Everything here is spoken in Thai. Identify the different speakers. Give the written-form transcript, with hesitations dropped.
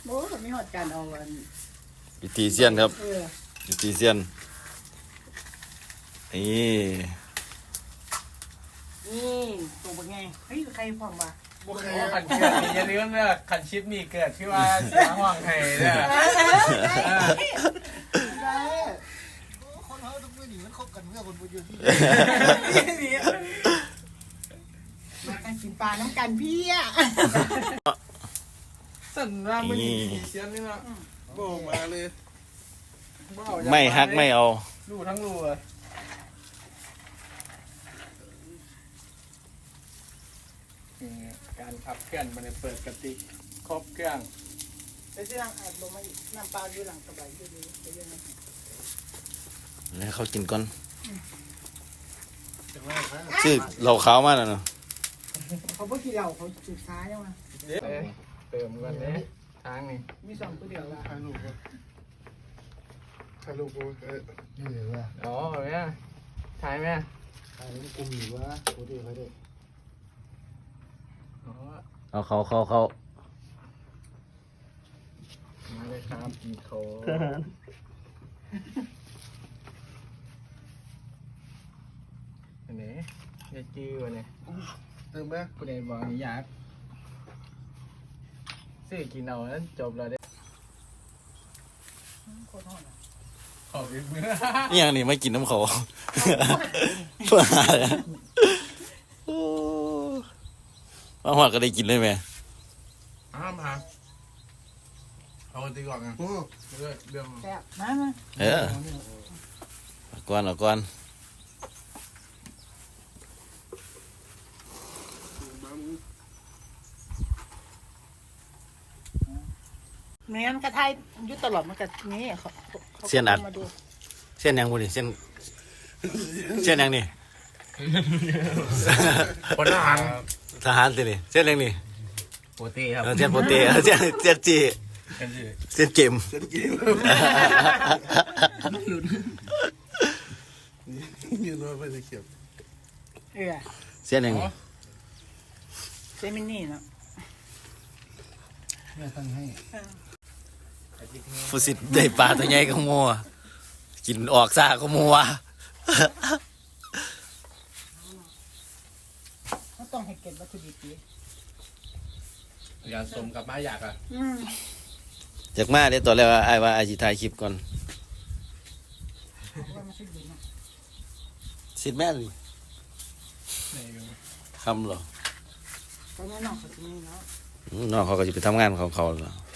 Speaker 1: โอ้ผมไม่หอดการเอาอัน
Speaker 2: วิธีเซียนครับวิธีเซียนนี่
Speaker 1: ตรงเป็นไงเฮ้ยใครพร้อมวะ
Speaker 3: บุคคลขันเกิดอย่าลืมเนอะขันชิปนี่เกิดที่ว่าเสียห่วงไห้เนี่ย
Speaker 1: ได้
Speaker 4: คนเขาต้องไม่หนีมันคบกันเมื่อคนบุญอยู่ที่
Speaker 1: มากันกินปลาน้ำกันพี่อ่ะ
Speaker 3: สั่นว่ามันมีเสียงนี่เนาะ
Speaker 4: โบกมาเลย
Speaker 2: ไม่ฮักไม่เอา
Speaker 3: รูทั้งรูเลยการขับเคลื่อนมันเปิดกติครบเครื่อง
Speaker 1: ไปซื้อหลังอัดลงมาอีกน้ำปลาอยู่หลังสบายดีๆไปเยอะนะ
Speaker 2: แล้วเขากินก่อน
Speaker 4: แต่ว่าครับ
Speaker 2: ชื่อเราขาวมากนะเนาะ
Speaker 1: เขาเพิ่งกินเหล้าเขาจุดซ้ายยังไง
Speaker 3: เติมกันเนี่ยทางนี้
Speaker 1: มีสองตัวเดียวละ
Speaker 4: ถ่ายรูปก็ถ่ายรูปก็นี่เลยว่า
Speaker 3: อ๋อแม่ถ่ายแม่
Speaker 4: ถ่ายรูปกลุ่มอยู่ว่าโคตรเขาได้
Speaker 3: อ๋อ
Speaker 2: เอาเขา
Speaker 3: มาเลยครับกินโคอันนี้ยายจื้อวะเนี่ย
Speaker 4: เติมไหม
Speaker 3: กูเลยบอกนี่อยากซื้อกินเอาแล้วจบแล้วเด้
Speaker 1: โคตรหอด
Speaker 3: ขออีกมื้อ
Speaker 2: นี่ยังนี่ไม่กินน้ำเขาเพื่อหาเลยมาหัวก็ได้กินเลยไหม
Speaker 3: อ้ามหาเอาตีก่อนไง
Speaker 4: โอ้
Speaker 3: เรื่อง
Speaker 1: แซ่บมา
Speaker 2: เออเอาก่อน
Speaker 1: เนื้อมันกระทายยุตลอดมันกระนี้มาดู
Speaker 2: เส้นยังบุนี่เส้นยังนี่
Speaker 3: คนละหัน
Speaker 2: ทหารสินี่เส้นยังนี่
Speaker 3: ปกติครับ
Speaker 2: เส้นโปเต้เส้นจี
Speaker 3: กันสิ
Speaker 2: เส้นเกม
Speaker 4: ยืนว่าไม่ได้เก็บ
Speaker 2: เส้นยังนี่
Speaker 1: เซมินี่เนาะ
Speaker 4: แม่ตั้งให้
Speaker 2: ผู้สิได้ปลาตัวใหญ่ก็มัวกินออกซ่าก็มัว
Speaker 1: ก็ต้องให้เก็บวัตถุดิบดี
Speaker 3: ยาสมกับมาอยากอ่ะ
Speaker 2: จากมาเดี๋ยวตอนแรกว่าไอ้ว่าไอ้สิถ่ายคลิปก่อน
Speaker 1: ว่ามันชุดดีเนาะ
Speaker 2: สิแม่นคำเหรอ
Speaker 1: ตอนนี้น้องเขาจะมีเนาะ
Speaker 2: น้องเขาก็จะไปทำงานของเขาแล้ว